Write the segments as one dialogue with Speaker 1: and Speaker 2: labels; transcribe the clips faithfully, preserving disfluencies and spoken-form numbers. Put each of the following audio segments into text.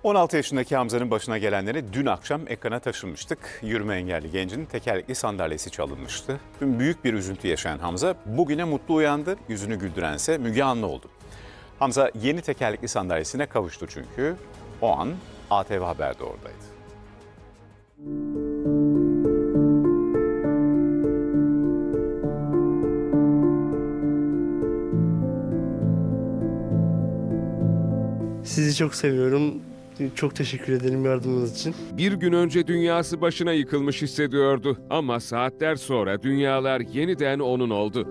Speaker 1: on altı yaşındaki Hamza'nın başına gelenleri dün akşam ekrana taşınmıştık. Yürüme engelli gencin tekerlekli sandalyesi çalınmıştı. Dün büyük bir üzüntü yaşayan Hamza bugüne mutlu uyandı. Yüzünü güldürense Müge Anlı oldu. Hamza yeni tekerlekli sandalyesine kavuştu çünkü o an A T V Haber'de oradaydı.
Speaker 2: Sizi çok seviyorum. Çok teşekkür ederim yardımınız için.
Speaker 3: Bir gün önce dünyası başına yıkılmış hissediyordu. Ama saatler sonra dünyalar yeniden onun oldu.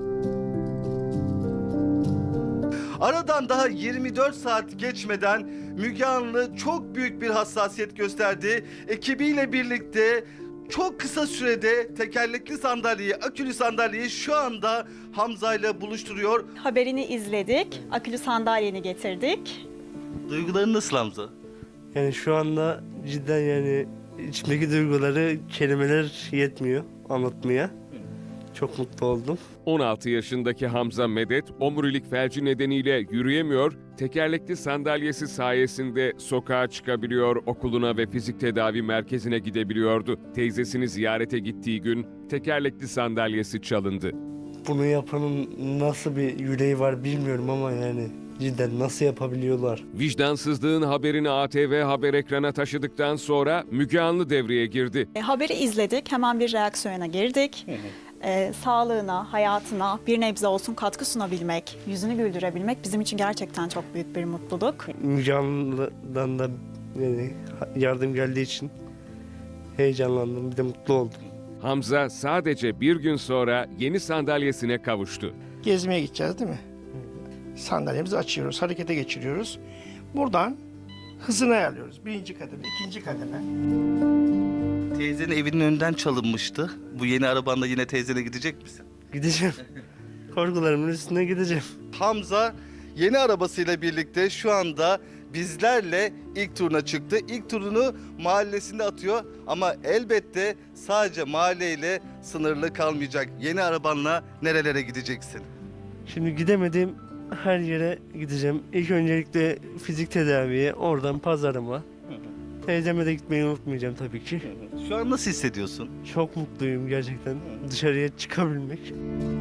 Speaker 4: Aradan daha yirmi dört saat geçmeden Müge Anlı çok büyük bir hassasiyet gösterdi. Ekibiyle birlikte çok kısa sürede tekerlekli sandalyeyi, akülü sandalyeyi şu anda Hamza ile buluşturuyor.
Speaker 5: Haberini izledik, akülü sandalyeni getirdik.
Speaker 4: Duyguların nasıl Hamza?
Speaker 2: Yani şu anda cidden yani içimdeki duyguları kelimeler yetmiyor anlatmaya. Çok mutlu oldum.
Speaker 3: on altı yaşındaki Hamza Medet, omurilik felci nedeniyle yürüyemiyor, tekerlekli sandalyesi sayesinde sokağa çıkabiliyor, okuluna ve fizik tedavi merkezine gidebiliyordu. Teyzesini ziyarete gittiği gün tekerlekli sandalyesi çalındı.
Speaker 2: Bunu yapanın nasıl bir yüreği var bilmiyorum ama yani cidden nasıl yapabiliyorlar?
Speaker 3: Vicdansızlığın haberini A T V Haber ekrana taşıdıktan sonra Müge Anlı devreye girdi.
Speaker 5: E, haberi izledik, hemen bir reaksiyona girdik. E, sağlığına, hayatına bir nebze olsun katkı sunabilmek, yüzünü güldürebilmek bizim için gerçekten çok büyük bir mutluluk.
Speaker 2: Müge Anlı'dan da yani yardım geldiği için heyecanlandım, bir de mutlu oldum.
Speaker 3: Hamza sadece bir gün sonra yeni sandalyesine kavuştu.
Speaker 6: Gezmeye gideceğiz değil mi? Sandalyemizi açıyoruz, harekete geçiriyoruz. Buradan hızını ayarlıyoruz. Birinci kademe, ikinci kademe.
Speaker 4: Teyzenin evinin önünden çalınmıştı. Bu yeni arabanla yine teyzene gidecek misin?
Speaker 2: Gideceğim. Korkularımın üstüne gideceğim.
Speaker 4: Hamza yeni arabasıyla birlikte şu anda bizlerle ilk turuna çıktı. İlk turunu mahallesinde atıyor ama elbette sadece mahalleyle sınırlı kalmayacak. Yeni arabanla nerelere gideceksin?
Speaker 2: Şimdi gidemediğim her yere gideceğim. İlk öncelikle fizik tedaviye, oradan pazarıma. Teyzeme de gitmeyi unutmayacağım tabii ki.
Speaker 4: Şu an nasıl hissediyorsun?
Speaker 2: Çok mutluyum gerçekten dışarıya çıkabilmek.